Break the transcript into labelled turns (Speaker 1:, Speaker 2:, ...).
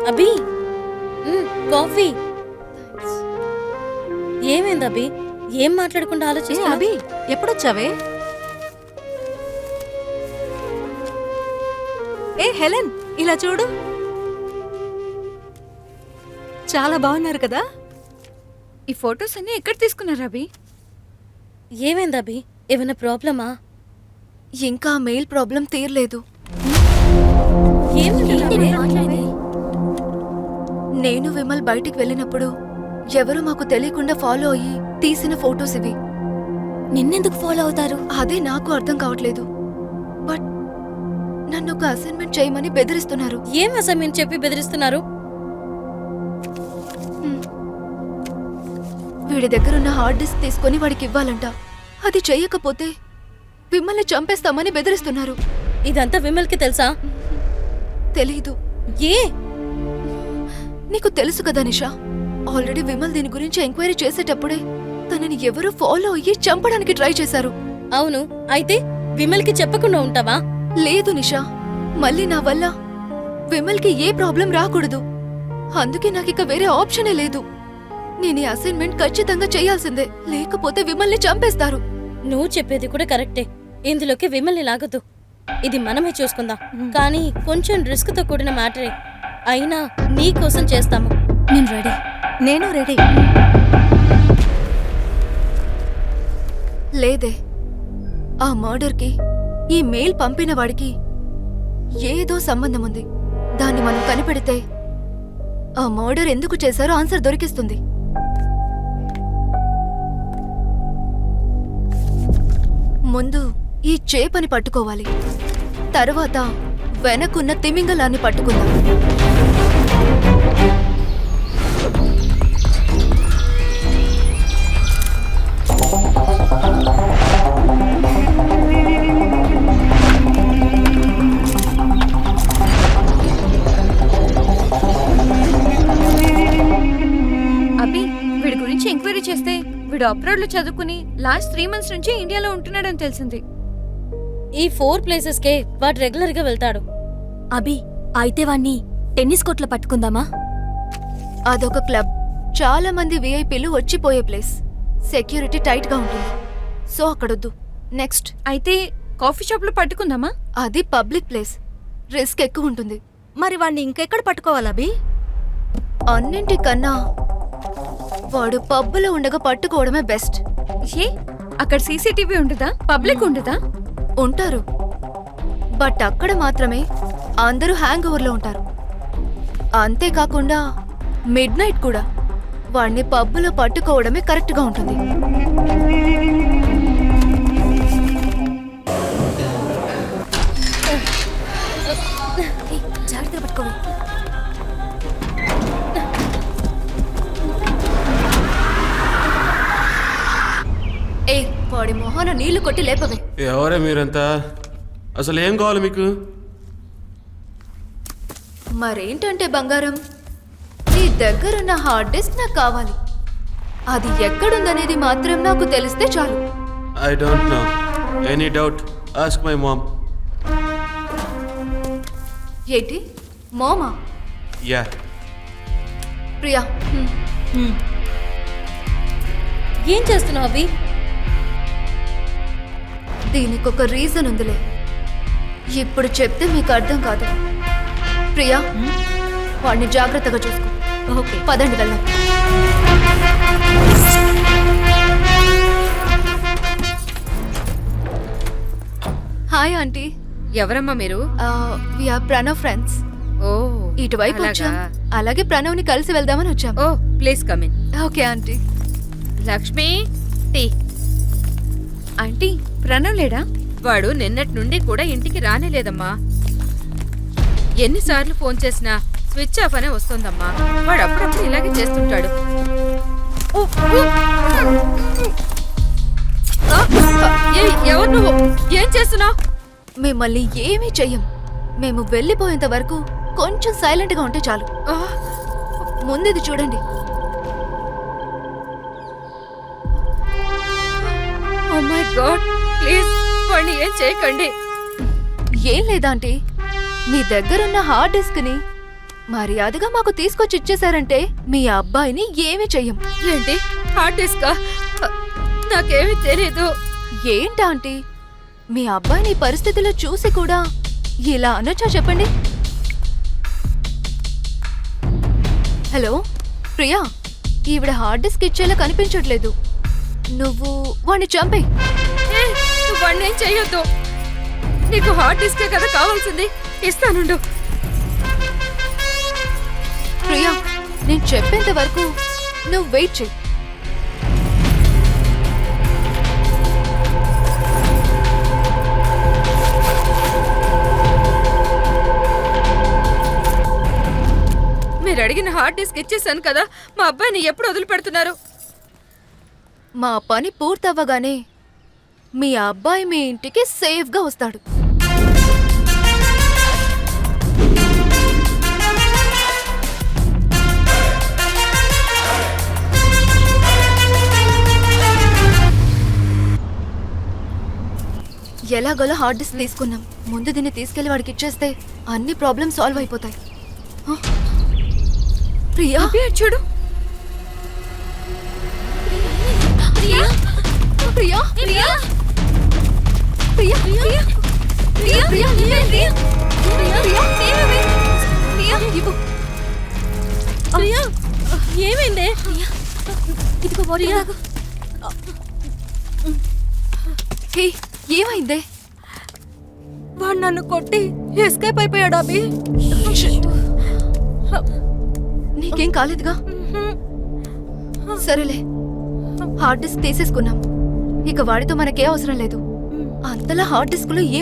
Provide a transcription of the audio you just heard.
Speaker 1: అభి coffee. ఏమైంది అభి? ఏం మాట్లాడకుండా ఆలోచిస్తా?
Speaker 2: అభి ఎప్పుడొచ్చావే? ఏ హెలెన్, ఇలా చూడు. చాలా బాగున్నారు కదా.
Speaker 3: ఈ ఫొటోస్ అన్ని ఎక్కడ తీసుకున్నారు అభి?
Speaker 1: ఏమైంది అభి? ఏమైనా ప్రాబ్లమా?
Speaker 2: ఇంకా మెయిల్ ప్రాబ్లం తీరలేదు. నేను విమల్ బయటికి వెళ్ళినప్పుడు ఎవరు మాకు తెలియకుండా ఫాలో అయ్యి తీసిన ఫొటోస్ ఇవి.
Speaker 4: నిన్నెందుకు ఫాలో అవుతారు?
Speaker 2: అదే నాకు అర్థం కావట్లేదు. బట్ నన్ను ఒక అసైన్మెంట్ చేయమని బెదిరిస్తున్నారు.
Speaker 1: ఏం అసైన్మెంట్ చెప్పి బెదిరిస్తున్నారు?
Speaker 2: వీడి దగ్గరున్న హార్డ్ డిస్క్ తీసుకొని వాడికి ఇవ్వాలంట. అది చెయ్యకపోతే విమల్ని చంపేస్తామని బెదిరిస్తున్నారు.
Speaker 1: ఇదంతా విమల్కి తెలుసా?
Speaker 2: తెలీదు.
Speaker 1: ఏ?
Speaker 2: నీకు తెలుసు కదా నిషా, ఆల్రెడీ విమల్ దీని గురించి ఎంక్వైరీ చేసేటప్పుడే తనని ఎవరో ఫాలో అయ్యి చంపడానికి ట్రై చేశారు.
Speaker 1: అవును, అయితే విమల్కి చెప్పకుండా ఉంటావా?
Speaker 2: లేదు నిషా, మళ్ళీ నా వల్ల విమల్కి ఏ ప్రాబ్లం రాకూడదు. అందుకే నాకిక వేరే ఆప్షనే లేదు. నేను ఈ అసైన్మెంట్ ఖచ్చితంగా చేయాల్సిందే, లేకపోతే విమల్ని చంపేస్తారు.
Speaker 1: నువ్వు చెప్పేది కూడా కరెక్టే. ఇందులోకి విమల్ని లాగదు. ఇది మనమే చూసుకుందాం. కానీ కొంచెం రిస్క్ తో కూడిన మ్యాటరే. అయినా నీ కోసం చేస్తాము.
Speaker 4: నేను రెడీ. నేను రెడీ.
Speaker 2: లేదే, ఆ మర్డర్కి ఈ మెయిల్ పంపిన వాడికి ఏదో సంబంధం ఉంది. దాన్ని మనం కనిపెడితే ఆ మర్డర్ ఎందుకు చేశారో ఆన్సర్ దొరికిస్తుంది. ముందు ఈ చేపని పట్టుకోవాలి, తర్వాత వెనకున్న తిమింగలాన్ని పట్టుకుందాం.
Speaker 3: అభి, వీడి గురించి ఎంక్వైరీ చేస్తే వీడు అబ్రాడ్ లో చదువుకుని లాస్ట్ 3 months నుంచి ఇండియాలో ఉంటున్నాడని తెలిసింది.
Speaker 1: ఈ 4 ప్లేసెస్కే వాడు రెగ్యులర్ గా వెళ్తాడు.
Speaker 4: అభి, అయితే వాణ్ణి టెన్నిస్ కోర్టులో పట్టుకుందామా?
Speaker 2: అదొక క్లబ్, చాలా మంది విఐపీలు వచ్చిపోయే ప్లేస్. సెక్యూరిటీ టైట్ గా ఉంటుంది, సో అక్కడొద్దు. నెక్స్ట్
Speaker 3: అయితే కాఫీ షాప్ లో పట్టుకుందామా?
Speaker 2: అది పబ్లిక్ ప్లేస్, రిస్క్ ఎక్కువ ఉంటుంది.
Speaker 4: మరి వాణ్ణి ఇంకెక్కడ పట్టుకోవాలి అభి?
Speaker 2: అన్నింటికన్నా వాడు పబ్బులో ఉండగా పట్టుకోవడమే బెస్ట్.
Speaker 3: ఏ, అక్కడ సీసీటీవీ ఉంటుందా? పబ్లిక్ ఉంటుందా?
Speaker 2: ఉంటారు, బట్ అక్కడ మాత్రమే అందరూ హ్యాంగ్ ఓవర్లో ఉంటారు. అంతేకాకుండా మిడ్ నైట్ కూడా. వాడిని పబ్బులో పట్టుకోవడమే కరెక్ట్గా ఉంటుంది.
Speaker 4: జాగ్రత్తగా పట్టుకోవాలి.
Speaker 2: ఏ, వాడి మొహాన నీళ్లు కొట్టి లేపవే.
Speaker 5: ఎవరే మీరంతా? అసలు ఏం కావాలి మీకు?
Speaker 2: మరేంటంటే బంగారం, నీ దగ్గరున్న హార్డ్ డిస్క్ నాకు కావాలి. అది ఎక్కడుందనేది మాత్రం నాకు తెలిస్తే చాలు.
Speaker 5: I don't know. Any doubt ask my mom.
Speaker 2: ఏంటి మోమా?
Speaker 5: యా.
Speaker 2: ప్రియా,
Speaker 1: ఏం చేస్తున్నావు అభి?
Speaker 2: దీనికొక రీజన్ ఉందిలే, ఇప్పుడు చెప్తే మీకు అర్థం కాదు. ప్రియా, వాడిని జాగ్రత్తగా చూసుకో.
Speaker 4: ఓకే,
Speaker 2: పదండి వెళ్దాం. Hi aunty.
Speaker 3: ఎవరమ్మా మీరు?
Speaker 2: We are Pranav friends.
Speaker 3: ఓ,
Speaker 2: ఇటువైపు వచ్చాం, అలాగే ప్రణవ్ని కలిసి వెళ్దామని వచ్చాం.
Speaker 3: ఓ, please come in.
Speaker 2: Okay aunty.
Speaker 3: Lakshmi, tea. Aunty, Pranav లేడా?
Speaker 6: వాడు నిన్నటి నుండి కూడా ఇంటికి రానేలేదమ్మా. ఎన్నిసార్లు ఫోన్ చేసినా స్విచ్ ఆఫ్ అనే వస్తోందమ్మా. వాడు అప్పుడప్పుడు ఇలాగే చేస్తుంటాడు. ఎవరు నువ్వు? ఏం చేస్తున్నావు?
Speaker 2: మిమ్మల్ని ఏమీ చెయ్యం. మేము వెళ్ళిపోయేంత వరకు కొంచెం సైలెంట్ గా ఉంటే చాలు. ముందుది చూడండి.
Speaker 6: ఓ మై గాడ్, ప్లీజ్ వాడిని ఏం చేయకండి.
Speaker 2: ఏం లేదా ఆంటీ, మీ దగ్గరున్న హార్డ్ డిస్క్ ని మర్యాదగా మాకు తీసుకొచ్చి ఇచ్చేశారంటే మీ అబ్బాయిని ఏమీ చెయ్యం.
Speaker 6: ఏంటి హార్డ్ డిస్కా? నాకేమీ తెలీదు.
Speaker 2: ఏంటా ఆంటీ, మీ అబ్బాయిని ఈ పరిస్థితిలో చూసి కూడా ఇలా అనొచ్చా చెప్పండి? హలో ప్రియా, ఈవిడ హార్డ్ డిస్క్ ఇచ్చేలా కనిపించట్లేదు. నువ్వు వాణ్ణి చంపే.
Speaker 6: నువ్వు వాడిని ఏం చెయ్యొద్దు. నీకు హార్డ్ డిస్కే కదా కావాల్సింది, ఇస్తానుండు.
Speaker 2: ప్రియా, నేను చెప్పేంత వరకు నువ్వు వెయిట్ చెయ్యి.
Speaker 6: మీరు అడిగిన హార్డ్ డిస్క్ ఇచ్చేసాను కదా, మా అబ్బాయిని ఎప్పుడు వదిలిపెడుతున్నారు?
Speaker 2: మా పని పూర్తవ్వగానే మీ అబ్బాయి మీ ఇంటికి సేఫ్గా వస్తాడు. ఎలాగోలా హార్డ్ డిస్క్ తీసుకున్నాం. ముందు దీన్ని తీసుకెళ్లి వాడికి ఇచ్చేస్తే అన్ని ప్రాబ్లమ్స్ సాల్వ్ అయిపోతాయి. హ? ప్రియా,
Speaker 6: చూడు.
Speaker 2: ప్రియా, ప్రియా, ప్రియా, ప్రియా, ప్రియా, ప్రియా, ప్రియా, ప్రియా, ప్రియా, ఇవ్వు.
Speaker 1: ప్రియా ఏమైందే?
Speaker 2: ఇదిగో బాడీ తాగు. హే, ఏమైందే?
Speaker 1: వాడు నన్ను కొట్టి ఎస్కేప్ అయిపోయాడు అభి.
Speaker 2: నీకేం కాలేదుగా? సరేలే, హార్డ్ డిస్క్ తీసేసుకున్నాం. ఇక వాడితో మనకే అవసరం లేదు. అంతలా హార్డ్ డిస్క్ లో ఏం